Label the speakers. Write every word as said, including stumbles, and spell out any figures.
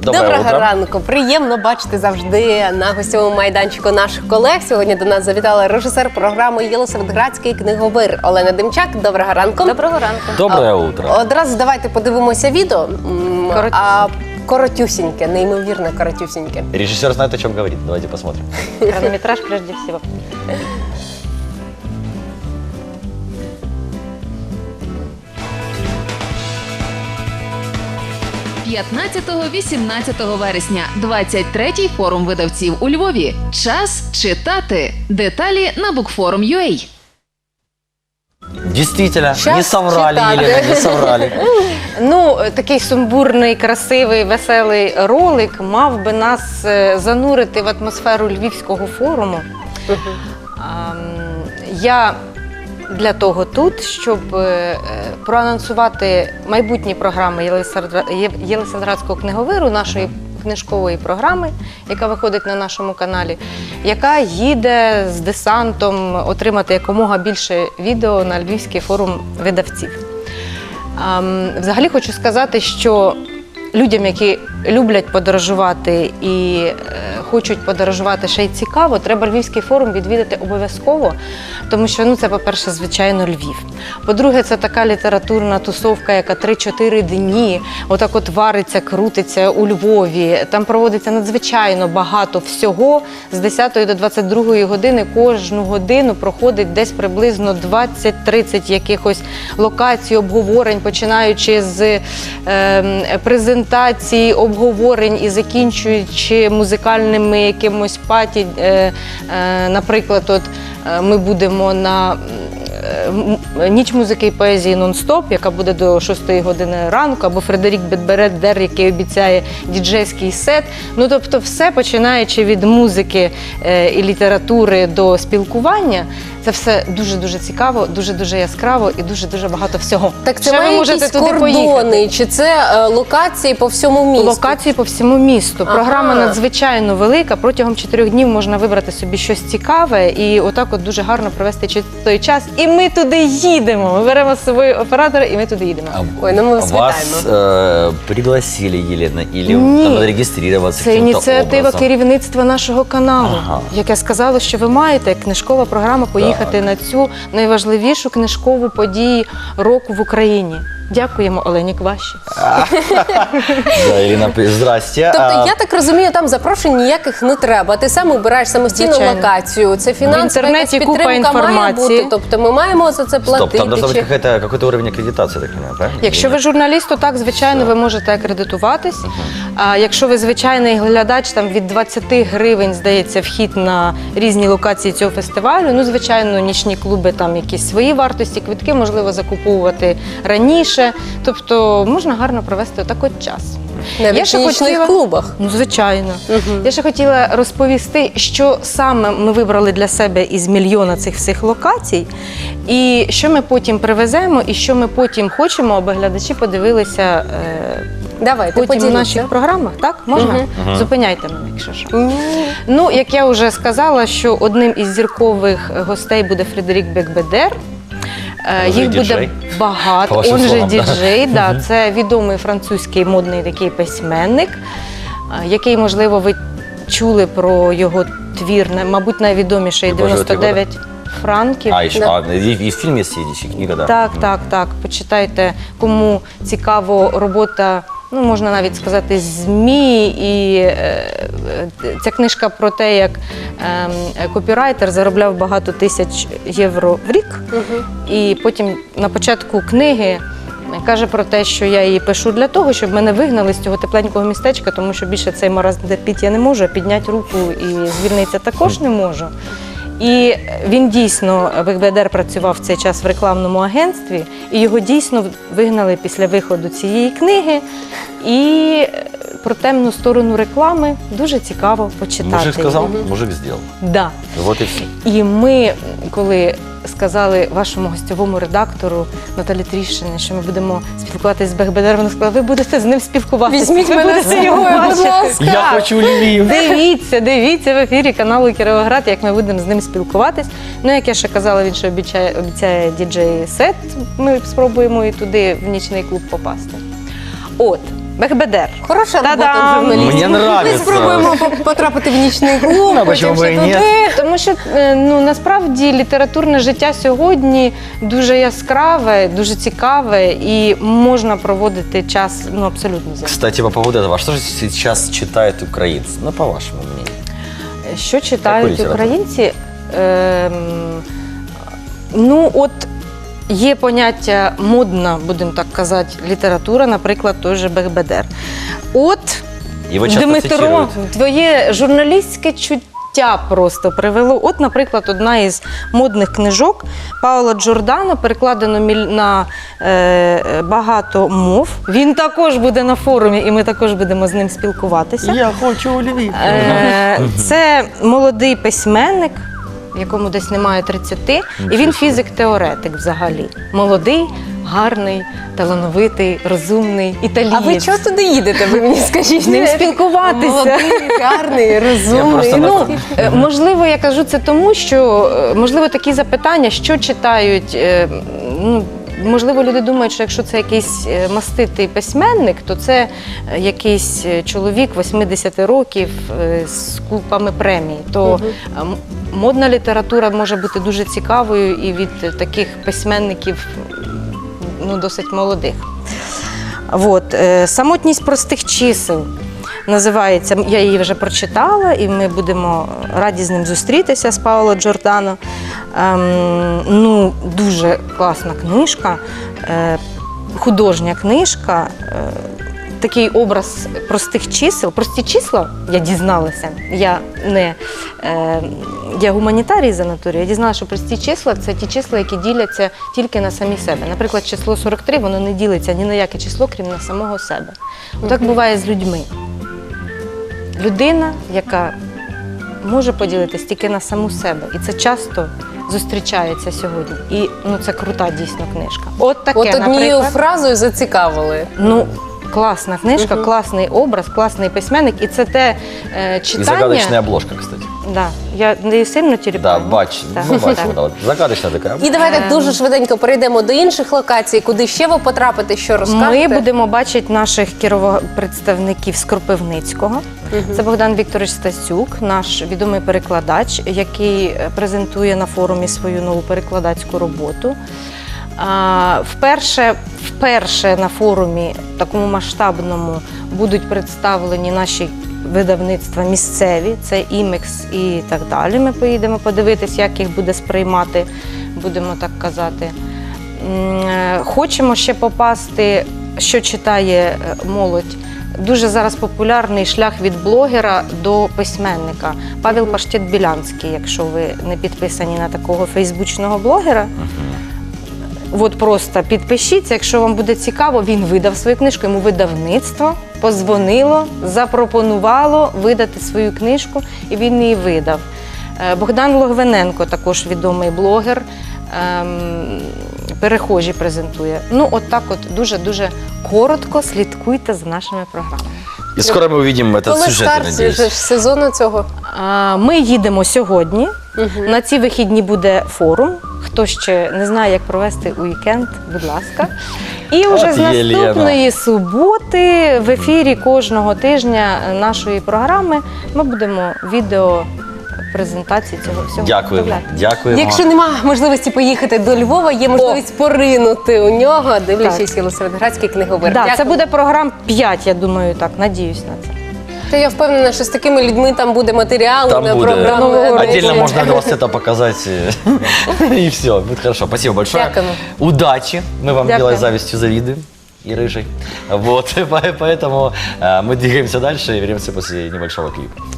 Speaker 1: Доброго
Speaker 2: утро.
Speaker 1: ранку. Приємно бачити завжди на гостьовому майданчику наших колег. Сьогодні до нас завітала режисер програми «Єлисаветградський книговир» Олена Демчак. Доброго ранку.
Speaker 3: Доброго ранку.
Speaker 2: Доброе утро.
Speaker 1: Одразу давайте подивимося відео. М,
Speaker 3: Коротюсіньке.
Speaker 1: А коротюсіньке, неймовірно коротюсіньке.
Speaker 2: Режиссер знает, о чем говорит. Давайте посмотрим.
Speaker 3: Хронометраж прежде всего.
Speaker 4: п'ятнадцятого-вісімнадцятого вересня. двадцять третій форум видавців у Львові. Час читати. Деталі на букфорум точка ю а.
Speaker 2: Действительно,
Speaker 1: Щас
Speaker 2: не соврали,
Speaker 1: читали.
Speaker 2: Елена, не соврали.
Speaker 3: Ну, такий сумбурний, красивий, веселий ролик мав би нас е, занурити в атмосферу Львівського форуму. Ам, Я для того тут, щоб е, проанонсувати майбутні програми Єлисаведра- Є- Єлисаветградського книговиру, нашої книжкової програми, яка виходить на нашому каналі, яка їде з десантом отримати якомога більше відео на Львівський форум видавців. Ам, Взагалі хочу сказати, що людям, які люблять подорожувати і е, хочуть подорожувати ще й цікаво, треба Львівський форум відвідати обов'язково, тому що, ну, це, по-перше, звичайно, Львів. По-друге, це така літературна тусовка, яка три-чотири дні отак от вариться, крутиться у Львові. Там проводиться надзвичайно багато всього. З десятої до двадцять другої години кожну годину проходить десь приблизно двадцять-тридцять якихось локацій, обговорень, починаючи з е, презентацій, обговорень і закінчуючи музикальними якимось паті. Е, е, наприклад, от е, ми будемо на е, ніч музики і поезії нон-стоп, яка буде до шостої години ранку, або Фредерік Бедбердер, який обіцяє діджейський сет. Ну, тобто все, починаючи від музики е, і літератури до спілкування, це все дуже-дуже цікаво, дуже-дуже яскраво і дуже-дуже багато всього.
Speaker 1: Так це
Speaker 3: Ще ви
Speaker 1: має
Speaker 3: можете
Speaker 1: якісь
Speaker 3: туди поїхати.
Speaker 1: кордони, чи це е, локації по всьому місту?
Speaker 3: Локації по всьому місту.
Speaker 1: Ага.
Speaker 3: Програма надзвичайно велика. Протягом чотирьох днів можна вибрати собі щось цікаве і отак от дуже гарно провести чи- той час. І ми туди їдемо. Ми беремо з собою оператора і ми туди їдемо.
Speaker 1: Ой, ну ми вас
Speaker 2: Вас э, пригласили, Елена, или
Speaker 3: Ні.
Speaker 2: там надо регистрироваться
Speaker 3: Це
Speaker 2: каким-то
Speaker 3: ініціатива
Speaker 2: образом?
Speaker 3: керівництва нашого каналу,
Speaker 2: Ага.
Speaker 3: яке сказало, що ви маєте, як книжкова програма, поїхати
Speaker 2: Так.
Speaker 3: на цю найважливішу книжкову подію року в Україні. Дякуємо Олені Кваші.
Speaker 2: Да, Елена, здрасте.
Speaker 1: Тобто,
Speaker 2: А,
Speaker 1: я так розумію, там запрошень ніяких не треба. Ти сам обираєш самостійну
Speaker 3: Звичайно.
Speaker 1: локацію. Це фінансова
Speaker 3: В
Speaker 1: якась
Speaker 3: інтернеті купа
Speaker 1: підтримка має
Speaker 3: інформації.
Speaker 1: бути. Тобто ми маємо за це платити.
Speaker 2: Стоп, там должен быть
Speaker 1: чи-
Speaker 2: какой-то, какой-то уровень аккредитации, я так понимаю, правильно?
Speaker 3: Якщо ви журналіст, то так, звичайно,
Speaker 2: Все.
Speaker 3: ви можете акредитуватись. А якщо ви звичайний глядач, там від двадцяти гривень, здається, вхід на різні локації цього фестивалю. Ну, звичайно, нічні клуби, там якісь свої вартості, квитки можливо закуповувати раніше. Тобто можна гарно провести отак от час.
Speaker 1: Навіть
Speaker 3: Я ще
Speaker 1: в нічних
Speaker 3: хотіла-
Speaker 1: клубах.
Speaker 3: Ну, звичайно. Я ще хотіла розповісти, що саме ми вибрали для себе із мільйона цих всіх локацій, і що ми потім привеземо, і що ми потім хочемо, аби глядачі подивилися е,
Speaker 1: Давайте,
Speaker 3: потім в
Speaker 1: поділіться.
Speaker 3: наших програмах. Так, можна?
Speaker 2: Мгм.
Speaker 3: Зупиняйте мене, якщо що.
Speaker 1: Ні.
Speaker 3: Ну, як я вже сказала, що одним із зіркових гостей буде Фредерік Бекбедер. Е,
Speaker 2: Он же
Speaker 3: Їх буде
Speaker 2: діджей, по
Speaker 3: багато.
Speaker 2: вашим
Speaker 3: Он же
Speaker 2: словам, да.
Speaker 3: діджей, да. Це відомий французький модний такий письменник, е, який, можливо, ви чули про його твір, на- мабуть, найвідоміший
Speaker 2: «Любов живет
Speaker 3: дев'яносто дев'ять франків.
Speaker 2: А, еще,
Speaker 1: Да.
Speaker 2: а, и, и фильм есть, и книга, да.
Speaker 3: Так,
Speaker 2: Мгм.
Speaker 3: так, так. Почитайте, кому цікаво робота, ну можна навіть сказати, ЗМІ. І е, е, ця книжка про те, як е, копірайтер заробляв багато тисяч євро в рік. І потім на початку книги каже про те, що я її пишу для того, щоб мене вигнали з цього тепленького містечка, тому що більше цей маразм терпіти я не можу, а підняти руку і звільнитися також не можу. І він дійсно, Бекбедер працював в цей час в рекламному агентстві, і його дійсно вигнали після виходу цієї книги. І про темну сторону реклами дуже цікаво почитати.
Speaker 2: Мужик сказал, мужик сделал.
Speaker 3: Да.
Speaker 2: Вот и все.
Speaker 3: І ми, коли сказали вашому гостьовому редактору Наталі Тріщині, що ми будемо спілкуватися з Бекбедером, вона сказала, ви будете з ним спілкуватися.
Speaker 1: Візьміть
Speaker 3: ви
Speaker 1: мене
Speaker 3: будете
Speaker 1: з
Speaker 3: його
Speaker 1: собою, будь
Speaker 3: бачити».
Speaker 1: ласка.
Speaker 2: Я хочу Львів.
Speaker 3: Дивіться, дивіться в ефірі каналу Кіровоград, як ми будемо з ним спілкуватись. Ну, як я ще казала, він ще обіцяє, обіцяє діджей-сет. Ми спробуємо і туди в нічний клуб попасти. От. Бехбедер.
Speaker 1: Хороша робота
Speaker 3: Та-дам!
Speaker 1: журналістів.
Speaker 2: Мені
Speaker 1: Ми
Speaker 2: нравиться.
Speaker 1: спробуємо по- потрапити в нічний клуб,
Speaker 2: Ну,
Speaker 1: потім
Speaker 2: почему бы
Speaker 1: ще
Speaker 2: и
Speaker 1: туди.
Speaker 2: нет?
Speaker 3: Тому що е, ну насправді літературне життя сьогодні дуже яскраве, дуже цікаве і можна проводити час ну абсолютно зі.
Speaker 2: Кстати, по поводу этого, что же сейчас читают украинцы? Ну, по вашему мнению.
Speaker 3: Що читають
Speaker 2: літературу?
Speaker 3: українці? Ем, ну, от є поняття модна, будемо так казати, література, наприклад, той же Бехбедер. От
Speaker 2: Его часто
Speaker 3: Дмитро,
Speaker 2: цитируют.
Speaker 3: твоє журналістське чуття просто привело. От, наприклад, одна із модних книжок Паоло Джордано, перекладено міль- на е, багато мов. Він також буде на форумі, і ми також будемо з ним спілкуватися.
Speaker 2: Я хочу Львів.
Speaker 3: Е, Це молодий письменник, якому десь немає тридцяти, і він фізик-теоретик взагалі. Молодий, гарний, талановитий, розумний, італієць.
Speaker 1: А ви чого туди їдете? Ви мені скажіть.
Speaker 3: З ним спілкуватися.
Speaker 1: Молодий, гарний,
Speaker 2: Я
Speaker 1: розумний.
Speaker 2: просто
Speaker 1: Ну,
Speaker 3: Е, Можливо, я кажу це тому, що е, можливо такі запитання, що читають. е, Ну, можливо, люди думають, що якщо це якийсь е, маститий письменник, то це е, якийсь е, чоловік восьмидесяти років е, з купами премій. То е, м- модна література може бути дуже цікавою і від таких письменників ну, досить молодих. От, е, самотність простих чисел називається. Я її вже прочитала, і ми будемо раді з ним зустрітися з Паоло Джордано. Ем, ну, дуже класна книжка, е, художня книжка. Е, Такий образ простих чисел. Прості числа, я дізналася, я не е, я гуманітарій за натурою, я дізналася, що прості числа – це ті числа, які діляться тільки на самі себе. Наприклад, число сорок три, воно не ділиться ні на яке число, крім на самого себе. Отак буває з людьми. Людина, яка може поділитись тільки на саму себе. І це часто зустрічається сьогодні. І ну, це крута дійсно книжка. От таке,
Speaker 1: от однією
Speaker 3: наприклад.
Speaker 1: фразою зацікавили.
Speaker 3: Ну, класна книжка, класний образ, класний письменник. І це те е,
Speaker 2: И
Speaker 3: читання.
Speaker 2: загадочная обложка, кстати.
Speaker 3: Да. Я не сильно
Speaker 2: Да,
Speaker 3: терпаю.
Speaker 2: бач,
Speaker 3: Так.
Speaker 2: ну, бачу,
Speaker 3: Так.
Speaker 2: да, вот загадочная такая.
Speaker 1: І давайте дуже швиденько перейдемо до інших локацій, куди ще ви потрапите, що розкажете.
Speaker 3: Ми будемо бачити наших кірово- представників з Кропивницького. Це Богдан Вікторович Стасюк, наш відомий перекладач, який е, презентує на форумі свою нову перекладацьку роботу. А, Вперше, вперше на форумі такому масштабному будуть представлені наші видавництва місцеві, це імекс і так далі. Ми поїдемо подивитись, як їх буде сприймати, будемо так казати. М, е, Хочемо ще попасти, що читає е, молодь. Дуже зараз популярний шлях від блогера до письменника. Павел Паштет-Білянський, якщо ви не підписані на такого фейсбучного блогера. От просто підпишіться, якщо вам буде цікаво, він видав свою книжку, йому видавництво позвонило, запропонувало видати свою книжку, і він її видав. Е, Богдан Логвиненко, також відомий блогер, ем, перехожі презентує. Ну, от так от дуже-дуже коротко слідкуйте за нашими програмами.
Speaker 2: И скоро мы увидим этот
Speaker 1: Коли
Speaker 2: сюжет, я
Speaker 1: старт
Speaker 2: надеюсь.
Speaker 1: же ж сезону цього?
Speaker 3: А, Ми їдемо сьогодні. На ці вихідні буде форум. Хто ще не знає, як провести уікенд, будь ласка. І вже
Speaker 2: От
Speaker 3: з
Speaker 2: Єлена.
Speaker 3: наступної суботи в ефірі кожного тижня нашої програми ми будемо відео презентації цього всього.
Speaker 2: Дякуємо.
Speaker 3: виставляти.
Speaker 2: Дякуємо.
Speaker 1: Якщо немає можливості поїхати до Львова, є можливість поринути у нього, дивлячись Єлисаветградський книговир.
Speaker 3: Да, це
Speaker 1: Дякую.
Speaker 3: буде програм п'ять, я думаю, так, надіюсь на це.
Speaker 1: Та я впевнена, що з такими людьми там буде матеріал
Speaker 2: Там
Speaker 1: на
Speaker 2: будет.
Speaker 1: програму.
Speaker 2: Отдельно можно два сета показать. э, И все, будет хорошо. Спасибо большое.
Speaker 1: Дякуємо.
Speaker 2: Удачи. Мы вам
Speaker 3: Дякую.
Speaker 2: белой завистью завидуем. И рыжей. Вот, поэтому э, мы двигаемся дальше и вернемся после небольшого клипа.